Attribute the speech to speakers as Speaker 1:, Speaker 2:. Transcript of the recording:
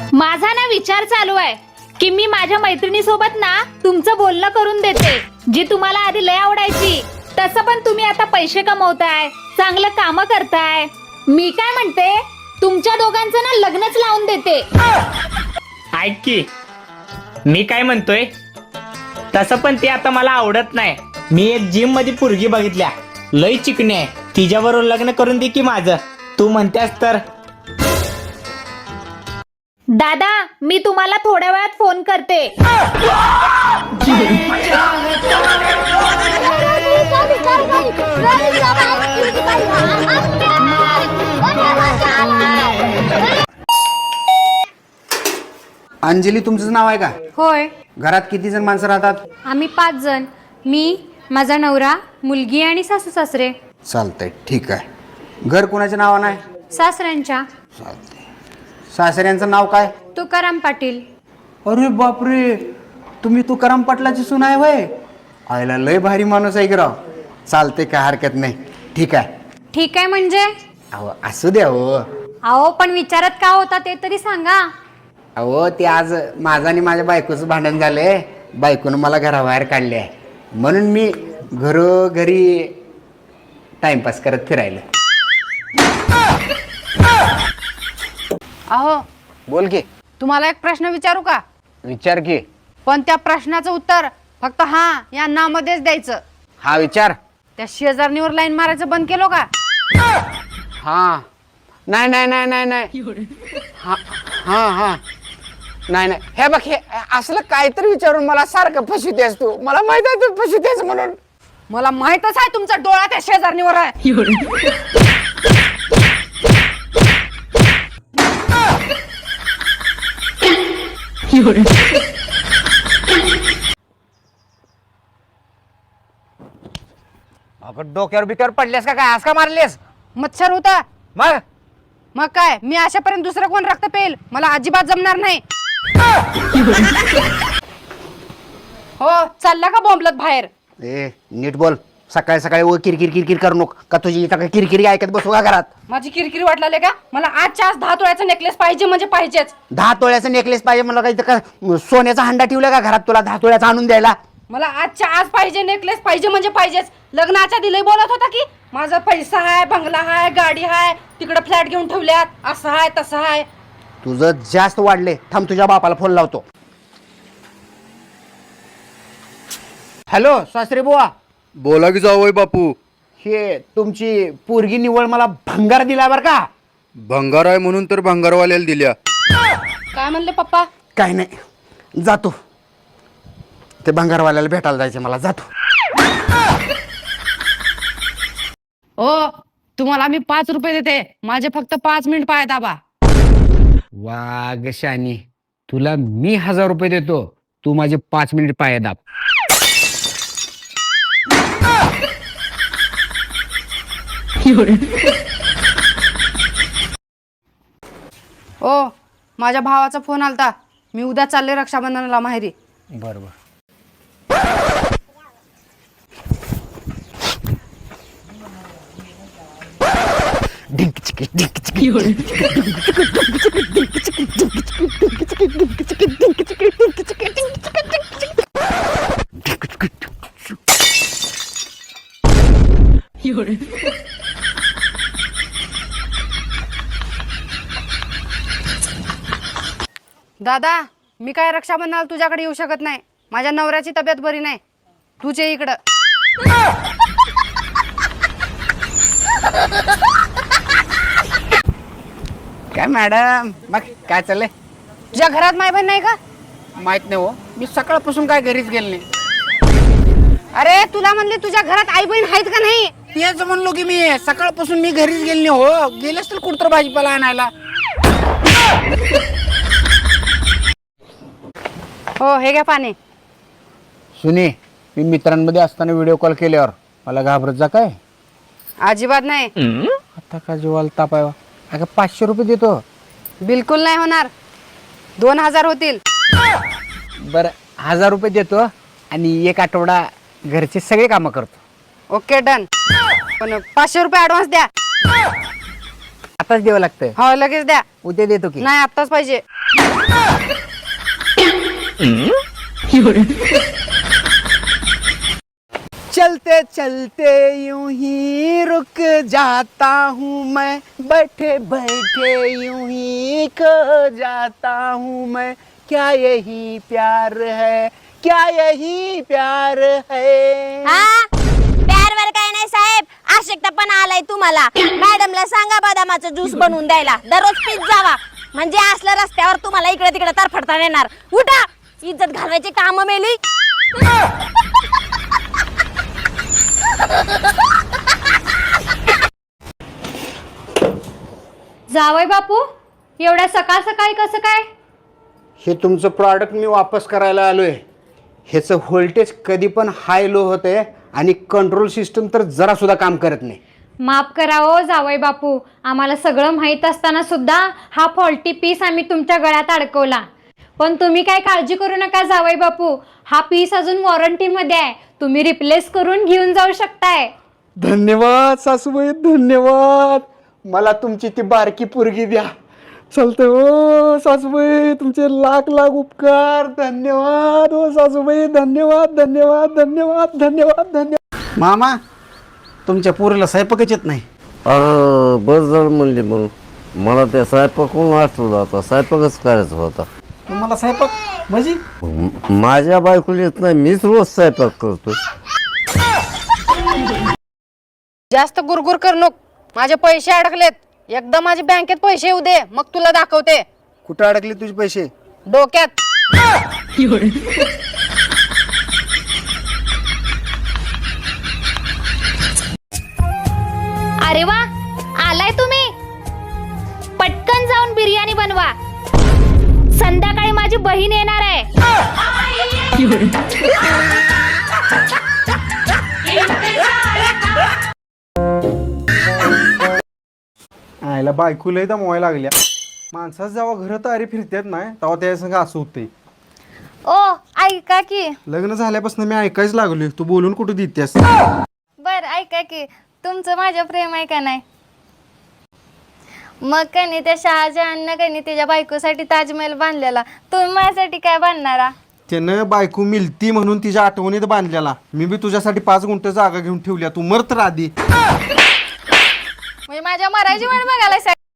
Speaker 1: माझा ना विचार चालू आहे की मी माझ्या मैत्रिणी सोबत ना तुमचं बोलणं करून देते, जी तुम्हाला आधी लय आवडायची. तसं पण तुम्ही आता पैसे कमवताय, चांगलं काम करताय. मी काय म्हणते, तुमच्या दोघांचं ना लग्नच लावून देते.
Speaker 2: ऐक की, मी काय म्हणतोय, तसं पण ते आता मला आवडत नाही. मी एक जिम मध्ये पोरगी बघितल्या, लय चिकणी आहे. तिच्याबरोबर लग्न करून दे की माझं. तू म्हणतेस तर.
Speaker 1: दादा, मी तुम्हाला थोड्या वेळात फोन करते.
Speaker 3: अंजली तुमचं नाव आहे का?
Speaker 4: होय.
Speaker 3: घरात किती जण माणसं राहतात?
Speaker 4: आम्ही 5 जण. मी, माझा नवरा, मुलगी आणि सासू सासरे.
Speaker 3: चालतंय, ठीक आहे. घर कोणाच्या नावानं आहे?
Speaker 4: सासऱ्यांच्या.
Speaker 3: चालतंय. सासऱ्यांचं नाव काय?
Speaker 4: तुकाराम पाटील.
Speaker 3: अरे बापरे, तुम्ही तुकाराम पाटलाची सून आहे वय? आयला लय भारी माणूस आहे की राव. चालते, काय हरकत नाही. ठीक आहे.
Speaker 4: ठीक आहे म्हणजे?
Speaker 3: अहो असू द्या हो.
Speaker 4: अहो पण विचारत का होता ते तरी सांगा.
Speaker 3: अहो ते आज माझं आणि माझ्या बायकोचं भांडण झालंय. बायकोनं मला घराबाहेर काढले आहे, म्हणून मी घरोघरी टाइमपास करत फिरायला.
Speaker 5: अहो,
Speaker 3: बोल की.
Speaker 5: तुम्हाला एक प्रश्न विचारू का?
Speaker 3: विचार की.
Speaker 5: पण त्या प्रश्नाचं उत्तर फक्त हा या ना मध्येच द्यायचं.
Speaker 3: हा विचार.
Speaker 5: त्या शेजारणीवर लाईन मारायचं बंद केलो का?
Speaker 3: हा. नाही नाही नाही नाही नाही. हा हा हा. नाही नाही, हे बघ, हे असलं काहीतरी विचारून मला सारखं फसवतेस तू. मला माहित आहे तू फसवतेस म्हणून.
Speaker 5: मला माहितच आहे तुमचा डोळा त्या शेजारणीवर आहे.
Speaker 3: अगं डोक्यावर बिक्यावर पडलेस का काय? आज का मारलेस?
Speaker 5: मच्छर होता.
Speaker 3: मग
Speaker 5: काय मी अशापर्यंत दुसरं कोण रक्त पेल? मला अजिबात जमणार नाही. हो, चालला का बॉम्बलत बाहेर?
Speaker 3: ए नीट बोल. सकाळी सकाळी ओ किरकिर किरकिर करू नको का? तुझी इथं काय किरकिरी ऐकत बसू का घरात?
Speaker 5: माझी किरकिरी वाटलाले का? मला आजच्या आज 10 तोळ्याचा नेकलेस पाहिजे म्हणजे पाहिजेच.
Speaker 3: 10 तोळ्याचा नेकलेस पाहिजे मला? काय इथं का सोन्याचा हंडा ठेवला का घरात तुला 10 तोळ्याचा आणून द्यायला?
Speaker 5: मला आजच्या आज पाहिजे, नेकलेस पाहिजे म्हणजे पाहिजेच. लग्नाच्या दिलंय बोलत होता की माझा पैसा आहे, बंगला आहे, गाडी आहे, तिकडे फ्लॅट घेऊन ठेवल्यात, असं आहे तसं आहे.
Speaker 3: तुझं जास्त वाढले. थांब, तुझ्या बापाला फोन लावतो. हॅलो सासरे बुवा.
Speaker 6: बोला की जावई बापू.
Speaker 3: हे तुमची पोरगी निवळ मला भंगार दिला बर का?
Speaker 6: भंगार आहे म्हणून तर भंगारवाल्याला दिल्या.
Speaker 5: काय म्हणले पप्पा?
Speaker 3: काय नाही, जातो. ते भंगारवाल्याला भेटायला जायचं मला. जातो.
Speaker 5: ओ, तुम्हाला मी 5 रुपये देते, माझे फक्त 5 मिनिट पाय दाबा.
Speaker 3: वाघ शानी, तुला मी 1000 रुपये देतो, तू माझे 5 मिनिट पाय दाब.
Speaker 5: ओ, माझ्या भावाचा फोन आलता. मी उद्या चालले रक्षाबंधनाला माहेरी.
Speaker 3: बरोबर.
Speaker 5: दादा, मी काय रक्षाबंधनाला तुझ्याकडे येऊ शकत नाही. माझ्या नवऱ्याची तब्येत बरी नाही. तुझे इकडं.
Speaker 3: काय मॅडम, मग काय चाललंय?
Speaker 5: तुझ्या घरात माय बहीण नाही का?
Speaker 3: माहित नाही हो, मी सकाळपासून काय घरीच गेले नाही.
Speaker 5: अरे तुला म्हणले तुझ्या घरात आई बहीण आहेत का नाही?
Speaker 3: तेच म्हणलो की मी सकाळपासून मी घरीच गेले नाही हो. गेलेच तर कुठतर भाजीपाला आणायला.
Speaker 5: हो, हे घ्या पाणी.
Speaker 3: सुने, मी मित्रांमध्ये असताना व्हिडिओ कॉल केल्यावर मला घाबरत जा काय?
Speaker 5: अजिबात नाही.
Speaker 3: आता का जीवाला ताप आहे? अगं 500 रुपये देतो.
Speaker 5: बिलकुल नाही होणार. 2000 होतील.
Speaker 3: बरं, 1000 रुपये देतो आणि 1 आठवडा घरचे सगळे कामं करतो.
Speaker 5: Okay, done. पण 500 रुपये ऍडव्हान्स द्या.
Speaker 3: आताच द्यावं लागतं.
Speaker 5: हो लगेच द्या.
Speaker 3: उद्या देतो की.
Speaker 5: नाही आत्ताच पाहिजे.
Speaker 3: चलते चलते यूं ही रुक जाता हूँ मैं, बैठे बैठे यूं ही खो जाता हूँ मैं, क्या यही प्यार है, क्या यही प्यार है.
Speaker 7: प्यारवर काय नाही साहेब, आवश्यकता पण आलाय तुम्हाला. मॅडमला सांगा बदामाचा ज्यूस बनवून द्यायला, दररोज पीत जावा. म्हणजे असलं रस्त्यावर तुम्हाला इकडे तिकडे तरफडता येणार. उठा, इज्जत घालवायची काम मेली.
Speaker 4: जावई बापू, एवढ्या सकाळ सकाळी कसं काय?
Speaker 3: हे तुमचं प्रॉडक्ट मी वापस करायला आलोय. ह्याचं व्होल्टेज कधी पण हाय लो होते आणि कंट्रोल सिस्टम तर जरा सुद्धा काम करत नाही.
Speaker 4: माफ करा हो जावई बापू, आम्हाला सगळं माहीत असताना सुद्धा हा फॉल्टी पीस आम्ही तुमच्या गळ्यात अडकवला. पण तुम्ही काय काळजी करू नका जावई बापू, हा पीस अजून वॉरंटीमध्ये आहे. तुम्ही रिप्लेस करून घेऊन जाऊ शकताय.
Speaker 3: धन्यवाद सासूबाई, धन्यवाद. मला तुमची ती बारकी पोरगी द्या. चालतंय हो सासूबाई, तुमचे लाख लाख उपकार. धन्यवाद हो सासूबाई, धन्यवाद धन्यवाद धन्यवाद धन्यवाद धन्यवाद. मामा, तुमच्या पोरीला स्वयंपाकच येत नाही.
Speaker 8: अरे बस झालं म्हणले म्हणून मला त्या स्वयंपाकून आठवलं, आता स्वयंपाकच करायचा होता.
Speaker 3: तुम्हाला स्वयंपाक म्हणजे
Speaker 8: माझ्या बायकोला येत नाही, मीच रोज स्वयंपाक करतो.
Speaker 5: जास्त गुरगुर कर नको. माझे पैसे अडकलेत. एकदा माझ्या बँकेत पैसे येऊ दे, मग तुला दाखवते.
Speaker 3: कुठं अडकले तुझे पैसे?
Speaker 5: डोक्यात.
Speaker 1: अरे वा, आलाय तुम्ही. पटकन जाऊन बिर्याणी बनवा, संध्याकाळी माझी बहीण येणार आहे.
Speaker 9: आयला बायकोला एकदा मोबाईल लागल्या. माणसाच जेव्हा घरात तारी फिरतात नाही तेव्हा त्या संग असं होतंय.
Speaker 7: ओ ऐका की.
Speaker 9: लग्न झाल्यापासून मी ऐकायच लागलोय, तू बोलून कुठं देतेस?
Speaker 7: बर ऐका की, तुमचं माझ्या प्रेम आहे का नाही? मग कनी त्या शहाजहाननं कनी त्याच्या बायकोसाठी ताजमहल बांधलेला, तुम्ही माझ्यासाठी काय बांधणारा?
Speaker 9: त्यानं बायको मिलती म्हणून तिच्या आठवणीत बांधलेला. मी बी तुझ्यासाठी 5 गुंठ जागा घेऊन ठेवल्या, तू मर तर आधी.
Speaker 7: म्हणजे माझ्या मरायची वाट बघायला